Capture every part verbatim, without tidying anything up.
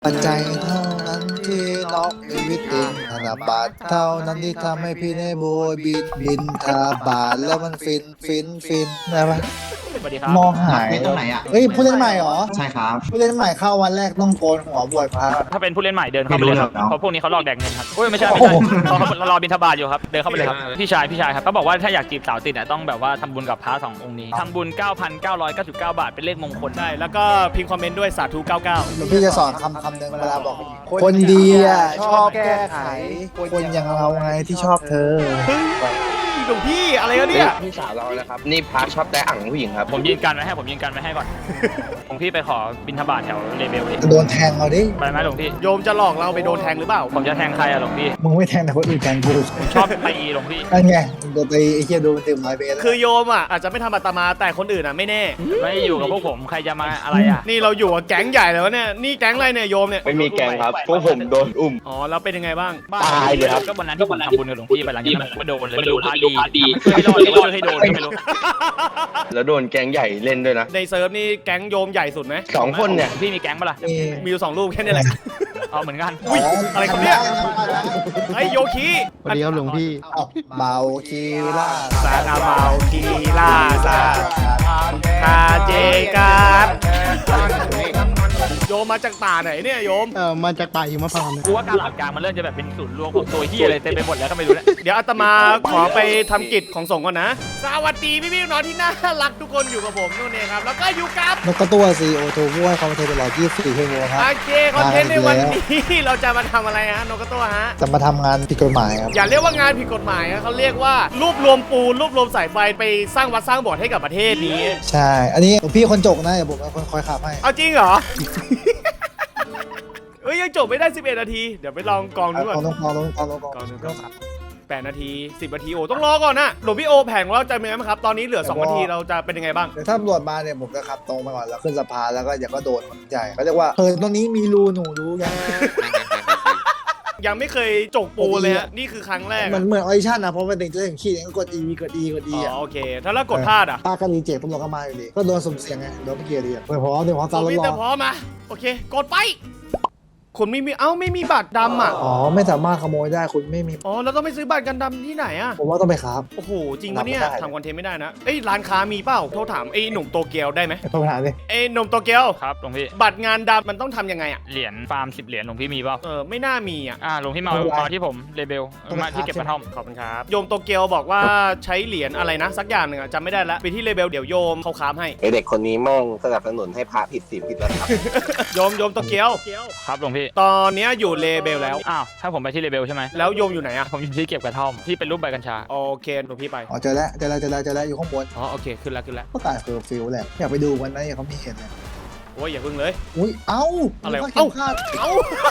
ปัจจัยเท่านั้นที่น็อกชีวิตติงธนบัตรเท่านั้นที่ทำให้พี่ได้โบยบิดบินทบาทแล้วมันฟินฟินฟินได้ปะสวัสดีครับมองหายเล่นตรงไหนอ่ะเฮ้ยผู้เล่นใหม่เหรอใช่ครับผู้เล่นใหม่เข้าวันแรกต้องโกนหัวบวชพระถ้าเป็นผู้เล่นใหม่เดินเข้าไปเลยครับไม่รู้หรอกเนอะเพราะพวกนี้เขาหลอกแดกเงินครับโอ้ยไม่ใช่ไม่ใช่เขาเขารอบิณฑบาตอยู่ครับเดินเข้าไปเลยครับพี่ชายพี่ชายครับเขาบอกว่าถ้าอยากจีบสาวติดอ่ะต้องแบบว่าทำบุญกับพระสององค์นี้ทำบุญ เก้าพันเก้าร้อยเก้าสิบเก้า บาทเป็นเลขมงคลได้แล้วก็พิมพ์คอมเมนต์ด้วยสาธุเก้าเก้าหลวงพี่จะสอนคำคำหนึ่งเวลาบอก คนดีอ่ะชอบแก้ไข คนอย่างเราไงที่ชอบเธอหลวงพี่อะไรกันเนี่ยพี่สาวเรานะครับนี่พาร์ทชอบแต่อ่างผู้หญิงครับผมยืนกันไว้ให้ผมยืนกันไว้ให้ก่อน หลวงพี่ไปขอบิณฑบาตแถวเลเบลดิโดนแทงเอาดิไปไหมหลวงพี่โยมจะหลอกเราไปโดนแทงหรือเปล่าผมจะแทงใครอะหลวงพี่มึงไม่แทงแต่คนอื่นแทงกูผมชอบตีหลวงพี่นั่นไงมึงโดนตีไอ้เหี้ยโดนเต็มร้อยเบสคือโยมอ่ะอาจจะไม่ทำอาตมาแต่คนอื่นอ่ะไม่แน่ไม่อยู่กับพวกผมใครจะมาอะไรอะนี่เราอยู่กับแก๊งใหญ่แล้วเนี่ยนี่แก๊งอะไรเนี่ยโยมเนี่ยไม่มีแกงครับพวกผมโดนอุ้มอ๋อแล้วเป็นยังไงบ้างตายเลยครับก็วันนั้นที่ผมทำบุญกับหลวงพี่ไปหลังจากนั้นผมก็โดนเลยไม่รู้พระดีไม่รอดหรือว่าช่วยให้โดนก็ไม่รู้แล้วโดนแกงใหญ่เล่นด้วยนะในเซิร์ฟนี่แก๊งโยมใหญ่สุดไหมสองคนเนี่ยพี่มีแก๊งปะล่ะมีมีอยู่สองรูปแค่นี้แหละเอาเหมือนกันอุ๊ยอะไรครับเนี่ย ไอ้โยคีสวัสดีครับหลวงพี่เอาเบาคีล่าซานาเมาคีลาซาคาเจการโยมมาจากป่าไหนเนี่ยโยมเอ่อ มาจากป่าหิมพานต์กูว่าการหลักการมันเริ่มจะแบบเป็นศูนย์รวมของตัวเฮียอะไรเต็มไปหมดแล้วก็ไม่รู้แล้วเดี๋ยวอาตมาขอไปทำกิจของสงฆ์ก่อนนะ สวัสดีพี่พี่ๆน้องที่น่ารักทุกคนอยู่กับผมนู่นเองครับ แล้วก็อยู่กับนกกระตัวซีโอโทบ้วยคอมเทนต์ตลอดยี่สิบสี่ชั่วโมงครับโอเคคอนเทนต์ในวันนี้เราจะมาทำอะไรฮะนกกระตัวฮะจะมาทำงานผิดกฎหมายครับอย่าเรียกว่างานผิดกฎหมายนะเขาเรียกว่ารวบรวมปูนรวบรวมสายไฟไปสร้างวัดสร้างโบสถ์ให้กับประเทศนี้ใช่ อันนี้หลวงพี่คนจกนะอย่าผมเป็นคนคอยขับให้เอาจริงเหรอ เอ้ยยังจบไม่ได้สิบเอ็ดนาที เดี๋ยวไปลองกองดูก่อนเอาลงกองลงกองลงกองกองดูก่อนแปดนาทีสิบนาทีโอ้ต้องรอก่อนนะหลวงพี่โอแผงของเราจะเป็นไงบ้างครับ ตอนนี้เหลือสองนาทีเราจะเป็นยังไงบ้างเดี๋ยวถ้าตำรวจมาเนี่ยผมจะขับตรงไปก่อนแล้วขึ้นสะพานแล้วก็อย่าก็โดนมันใหญ่เขาเรียกว่าเฮ้ยตรงนี้มีรูหนูรู้ยังยังไม่เคยจกปูเลยฮะนี่คือครั้งแรกเหมือนเหมือนออดิชั่นนะเพราะมันเป็นจะถึงขีดก็กด E กด E กด E อ๋ออ่ะโอเค ถ้าแล้วกดพลาดอ่ะถ้าก็รีเจ็คตำรวจก็มาอยู่ดีก็โดนสุ่มเสี่ยงไงโดนไม่เกียร์ดีอ่ะไปพร้อมเดี๋ยวพร้อมตตามอนรถนี้รแต่อพร้อมมาโอเค กดไปคุณไม่มีเอ้าไม่มีบัตรดำอ่ะอ๋อไม่สามารถขโมยได้คุณไม่มีอ๋อแล้วต้องไปซื้อบัตรกันดำที่ไหนอ่ะผมว่าต้องไปครับโอ้โหจริงปะเนี่ยรับไม่ได้ทำคอนเทนต์ไม่ได้นะเอ้ยร้านค้ามีเปล่าโทรถามไอ้หนุ่มโตเกียวได้ไหมไปโทรหาดิไอ้หนุ่มโตเกียวครับหลวงพี่บัตรงานดำมันต้องทำยังไงอ่ะเหรียญฟาร์มสิบเหรียญหลวงพี่มีเปล่าเออไม่น่ามีอ่ะอ่าหลวงพี่มามาที่ผมเลเบลมาที่เก็บกระท่อมขอบคุณครับโยมโตเกียวบอกว่าใช้เหรียญอะไรนะ สักอย่างหนึ่งอะจำไม่ได้แล้วไปที่เลเบลเดี๋ยวโยมเขาค้ามให้ไอเด็กคนนี้แม่งสนับสนุนให้พระผิดศีลผิดระดับโยมโยมโตเกียวครับหลวงพี่ตอนเนี้ยอยู่เลเบลแล้วอ้าวถ้าผมไปที่เลเบลใช่ไหมแล้วโยมอยู่ไหนอะผมอยู่ที่เก็บกระท่อมที่เป็นรูปใบกัญชาโอเคหลวงพี่ไปอ๋อเจอแล้วเจอแล้วเจอแล้วเจอแล้วอยู่ข้างบนอ๋อโอเคขึ้นแล้วขึ้นแล้วก็ตายเคอร์ฟิวแหละอยากไปดูวันนั้นเขามีเห็นเลยโอ้ยอย่าพึ่งเลยอุ้ยเอ้าอะไรวะเอ้าคาดเอ้า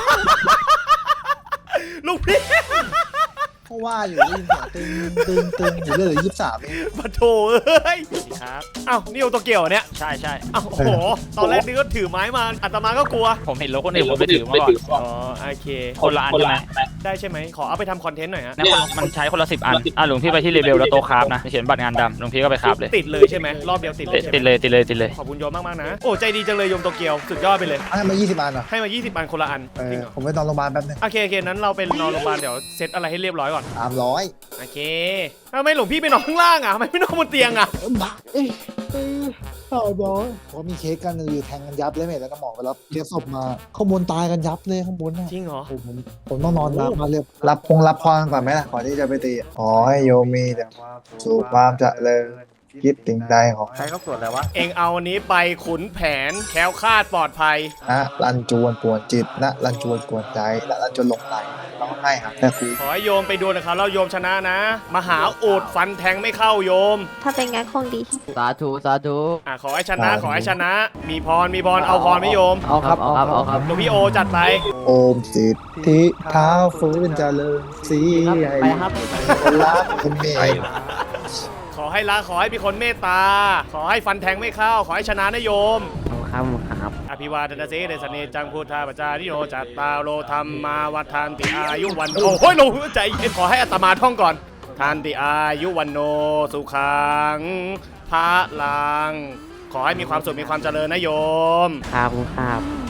ลูกพี่เพราะว่าอยู่ได้ยินเสียงตึงตึงตึงอยู่เรื่อยยี่สิบสามเองปะโถเอ้ยครับเอ้านี่โอโตเกียวเหรอเนี่ยใช่ใช่เอ้าโอ้โหตอนแรกนึกว่าถือไม้มาอาตมาก็กลัวผมเห็นรถคนอื่นผมไปถือมาก่อนอ๋อโอเคคนละอันใช่ไหมได้ใช่ไหมขอเอาไปทำคอนเทนต์หน่อยฮะนะคนมันใช้คนละสิบอันอ่ะหลวงพี่ไปที่เลเบลแล้วโตะคราฟนะเขียนบัตรงานดำหลวงพี่ก็ไปคราฟเลยติดเลยใช่ไหมรอบเดียวติดเลติยดใช่ไหมติดเลยติดเลยติดเลยขอบคุณโยมมากๆนะ โอ้ใจดีจังเลยโยมโตเกียวสุดยอดไปเลยให้มายี่สิบอันเหรอให้มา ยี่สิบ อันคนละอันเอจริองเหรอผมไปนอนโรงพยาบาลแป๊บนึงโอเคโอเคนั้นเราไปนอนโรงพยาบาลเดี๋ยวเซตอะไรให้เรียบร้อยก่อนสามร้อยโอเคทำไมหลวงพี่ไปนอนข้างล่างอ่ะทำไมไม่นอนบนเตียงอ่ะเออบ้าเอ้ยเออสามร้อยผมมีเค้กกันอยู่แทงกันยับเลยเมทแล้วก็หมอไปรับเค้กศพมาข้างบนตายกันยับเลยข้างบนน่ะจริงเหรอผมผมผมต้องนอนรับมาเรียบรับพงรับพรก่อนไหมล่ะก่อนที่จะไปตีอ๋อให้โยมมีแต่ความสุขความเจริญคิดถึงใดของใครเขาสวดอะไรวะเองเอาอันนี้ไปขุนแผนแคล้วคลาดปลอดภัยนะรันจวนปวดจิตนะรันจวนปวดใจนะรันจวนหลงไหลร้องไห้ครับแต่ครูขอให้โยมไปดูนะครับแล้วโยมชนะนะ มหาอูดฟันแทงไม่เข้าโยมถ้าเป็นงั้นคงดีสาธุ สาธุอ่ะขอให้ชนะขอให้ชนะ มีพรมีพรเอาพรไหม่โยมเอาครับ เอาครับ เอาครับหลวงพี่โอจัดไปโอมสิทธิเท้าฟื้นเจริญสีใหญ่ไปครับคนรักคนเมตขอให้ละขอให้มีคนเมตตา ขอให้ฟันแทงไม่เข้า ขอให้ชนะนะโยมครับครับอภิวาทนาเสเดสเนจังพุทธาปจาริโยจัตตาโลธรรมมาวัฏานติอายุวันโอ้โหหนูใจเย็นขอให้อาตมาท่องก่อนทานติอายุวันโนสุขังพระลัง ขอให้มีความสุขมีความเจริญนะโยมครับครับส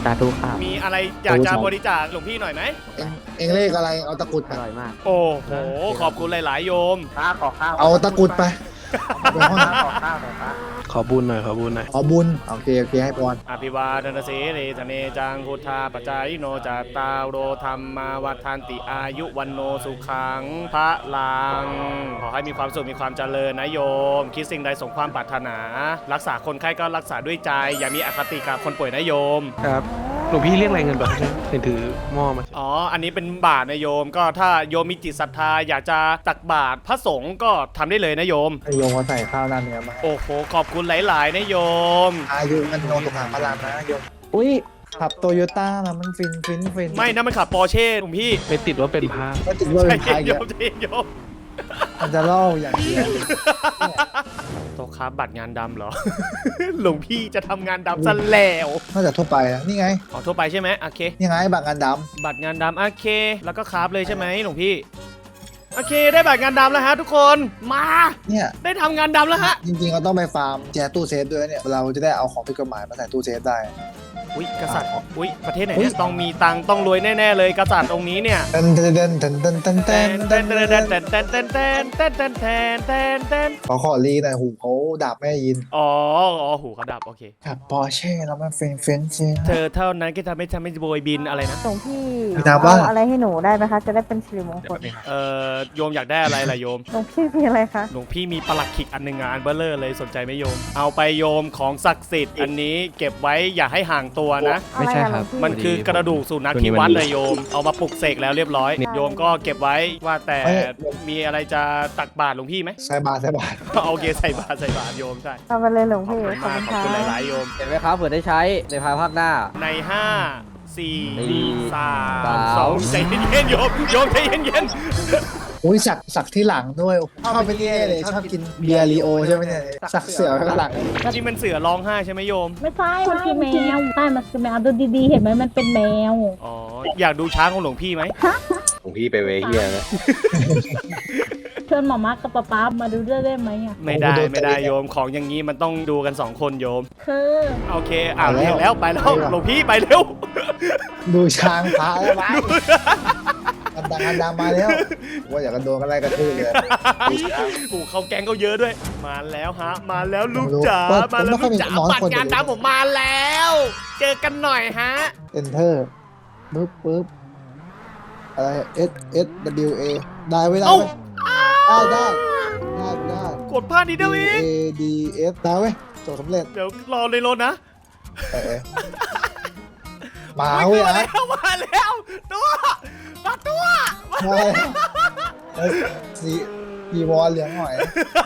สาธุครับมีอะไรอยากจะบริจาคหลวงพี่หน่อยไหมเองเองเลขอะไรเอาตะกรุดอไปร่อยมากโอ้โหขอบคุณหลาย ๆ โยมพระขอข้าวเอาตะกรุดไปเอาไปห้องพระขอข้าวหน่อยพระขอบุญหน่อยขอบุญหน่อยขอบุญโอเคโอเคให้พรอภิวาทนาสีเรธเนจังพุทธาปจายโนจัตตาโรธรรมาวัฏันติอายุวันโนสุขังพระลัง ขอให้มีความสุขมีความเจริญนะโยม คิดสิ่งใดสมความปรารถนา รักษาคนไข้ก็รักษาด้วยใจ อย่ามีอคติกับคนป่วยนะโยมครับหลวงพี่เรียกอะไรเงินแบบนี้เห็นถือหม้อมาอ๋อ อันนี้เป็นบาทนะโยม ก็ถ้าโยมมีจิตศรัทธาอยากจะตักบาตรพระสงฆ์ก็ทำได้เลยนะโยมให้โยมมาใส่ข้าวหน้าเนื้อมาโอ้โห ขอบคุณหลาย ๆ นะโยมอายุมันโนตุขังพลามนะโยมอุ้ยขับโตโยต้านะมันฟินฟินฟินไม่นะมันขับปอร์เช่หลวงพี่ไปติดว่าเป็นพระก็ติดว่าใจเป็นพายเย็นโยเยอะมใจเย็นโยมมันจะเล่าอย่างเดียวโตะครับบัตรงานดำเหรอ หลวงพี่จะทำงานดำซะแล้วนอกจากทั่วไปนะนี่ไงขอทั่วไปใช่ไหมโอเคนี่ไงบัตรงานดบัตรงานดำโอเค แล้วก็คราฟเลยใช่ไหมหลวงพี่ โอเค ได้บัตรงานดำแล้วฮะทุกคน มาำเนี่ยได้ทำงานดำแล้วฮะจริงๆเราต้องไปฟาร์มแจตู้เซฟด้วยเนี่ยเราจะได้เอาของผิดกฎหมายมาใส่ตู้เซฟได้อุ้ยกษัตริย์ อุ้ยประเทศไหนเนี่ยต้องมีตังค์ต้องรวยแน่ๆเลยกษัตริย์องค์นี้เนี่ยเต้นเต้นเต้นเต้นเต้นเต้นเต้เต้นนเต้เต้นนเต้นเต้นเต้นเต้นเต้นเต้นเต้นเต้นเต้นเต้นเต้นขอขอรีหน่อยหูเขาดับไม่ได้ยินอ๋ออ๋อหูเขาดับโอเคขับปอร์เช่แล้วมันเฟนเฟนเฟนเธอเท่านั้นก็ทำให้ทำให้โบยบินอะไรนะหลวงพี่มีนามว่าเอาอะไรให้หนูได้ไหมคะ จะได้เป็นสิริมงคลเอ่อโยมอยากได้อะไรล่ะโยมหลวงพี่มีอะไรคะหลวงพี่มีปลักขิกอันหนึ่งงานเบลเลอร์เลยสนใจไหมโยม เอาไปโยมของศักดิ์สิทธิ์อันนี้เก็บไว้อย่าให้ห่างตัวนะไม่ใช่ครับมันคือกระดูกสุนัขที่วัดเลยโยม เอามาปลุกเสกแล้วเรียบร้อย โยมก็เก็บไว้ว่าแต่มีอะไรจะตักบาตรหลวงพี่ไหมใส่บาทใส่บาทโอเคใส่บาตรใส่บาตรโยมใช่เอาไปเลยหลวงขอบพี่คุณขอบมากคุณขอบค่ะคุณหลายๆโยมเห็นไหมครับเผื่อได้ใช้ในภายภาคหน้าในห้าสี่สี่สามสามสองใจเย็นๆโยมโยมใจเย็นอุ้ยสักสักที่หลังด้วยชอบไปเรื่อยเลยชอบกินเบียร์ลีโอใช่ไหมเนี่ยสักเสือไว้ข้างหลังๆที่มันเสือร้องไห้ใช่ไหมโยมไม่ใช่มันคือแมวใช่มันคือแมวดูดีๆ เห็นไหมมันเป็นแมวอ๋ออยากดูช้างของหลวงพี่ไหมหลวงพี่ไปเวเฮียนะเชิญหมอมากับป๊าป๊ามาดูด้วยได้ไหมอ่ะไม่ได้ไม่ได้โยมของอย่างนี้มันต้องดูกันสองคนโยมคือโอเคอ่านเรียกแล้วไปแล้วหลวงพี่ไปเร็วดูช้างพระแล้วไปกันดังกันดังมาแล้วว่าอยากกันโดนกันอะไรกันทื่อเลยกูเขาแก๊งเขาเยอะด้วย มาแล้วฮะ มาแล้วลูกผมรู้จ๋าว่ามาแล้วผมไม่ลูกจ๋าค่อยมีน้อยบัตคนรงานอยู่ตามผมมาแล้ว เจอกันหน่อยฮะเอนเตอร์ปึ๊บปึ๊บอะไร S S W A ได้ไว้ได้เอ้าไว้ได้ได้ได้ได้กดพลาดนิดเดียวเอ D ง A D S ได้เว้ยจบสำเร็จเดี๋ยวรอเลยรถนะเออมาเว้ยมาอ่ะแล้วมาแล้วตัวมาตัวมาแล้วเอ้ยสีสีวอลเหลืองหน่อย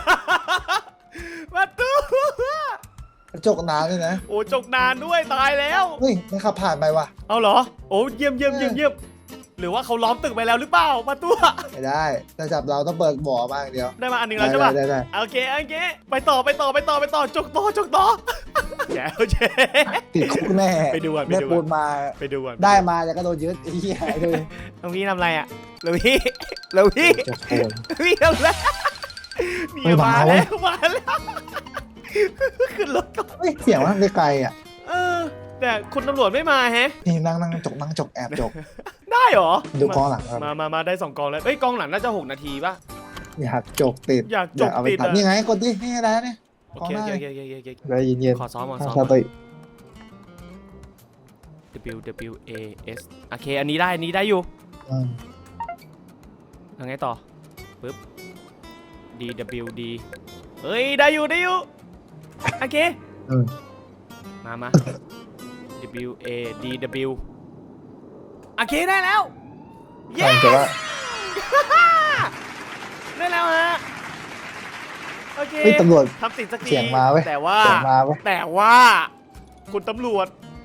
มาตัวกระจกน้ำด้วยนะโอ้จกนานด้วยตายแล้วเฮ้ยไม่ขับผ่านไปว่ะเอาเหรอ โอ้เยี่ยมเยี่ยมเยี่ยมเยี่ยมหรือว่าเขาล้อมตึกไปแล้วหรือเปล่ามาตัวไม่ได้ถ้าจับเราต้องเปิดบ่อมาอย่างเดียวได้มาอันหนึ่งแล้วใช่ปะได้ได้โอเคโอเคไปต่อไปต่อไปต่อไปต่อจกต่อจกต่อแจ๋วเจ๊ติดคุกแน่ไปดูก่อนไปแม่ดูก่อนปูนมาไปดูก่อนได้มาจะกระโดดยึดไอ้เหี้ยเลยหลวงพี่ทำอะไรอ่ะหลวงพี่หลวงพี่จบโคนหลวงพี่ทำอะไรเฮ้นี่ยมามาเว้แล้ยวมาแล้วขึ้นรถก่อนเฮ้ยเสียงมันไกลๆอ่ะเออแต่คุณตำรวจไม่มาแฮะนี่นั่งนั่งจกนั่งจกแอบจกได้เหรอดูกองหลังครับมามามาได้สองกองแล้วเอ้ยกองหลังน่าจะหกนาทีป่ะอยากจกติดอยากจกเอาไปติดตัดอะนี่ไงกดดินี่ได้เนี่ยโอเคโอเคโอเคโอเคโอเคได้ยินเย็นขอซ้อมขอทางซ้อมซาติ W W A S โอเคอันนี้ได้อันนี้ได้อยู่อืมยังไงต่อปึ๊บ D W D เฮ้ยได้อยู่ได้อยู่โอเคอืมมามา W A D W โอเคได้แล้ว เย้แต่ว่าได้แล้วฮะโอเคเฮ้ยตำรวจทำติดสักทีเสียงมาเว้ยแต่ว่าเสียงมาเว้ยแต่ว่าคุณตำรวจ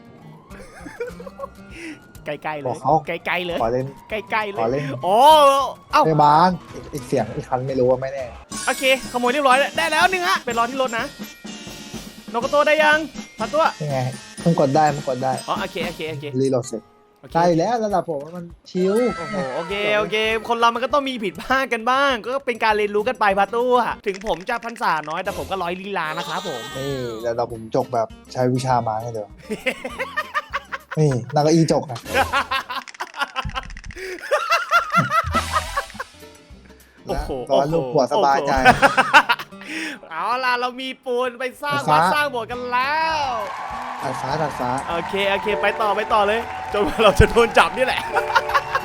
ใกล้ๆเลบอย กเขาใกล้ๆเลยขอเล่นใกล้ๆเลขอย เล่นโอ้เอ้าพยาบาลอีกเสียงอีกคันไม่รู้ว่าไม่แน่โอเคขโมยเรียบร้อยแล้วได้แล้วหนึ่งฮะไปรอที่รถนะโนโกโตได้ยังพันตัวยังไงมันกดได้มันกดได้อ๋อโอเคโอเคโอเครีโหลดเสร็จโอเคได้แล้วระดับผมมันชิวโอ้โหโอเคโอเค คนเรามันก็ต้องมีผิดพลาดกันบ้าง ก็เป็นการเรียนรู้กันไปพันตัวถึงผมจะพรรษาน้อยแต่ผมก็ร้อยลีลานะครับผมนี่ระดับผมจกแบบใช้วิชามาให้เดียวนี่นางก็อีจกนะโอ้โหร้อนลูกหัวสบายใจเอาล่ะเรามีปูนไปสร้างฟ้าวัดสร้างโบสถ์กันแล้วตัดฟ้าตัดฟ้าโอเคโอเคไปต่อไปต่อเลยจนกว่าเราจะโดนจับนี่แหละ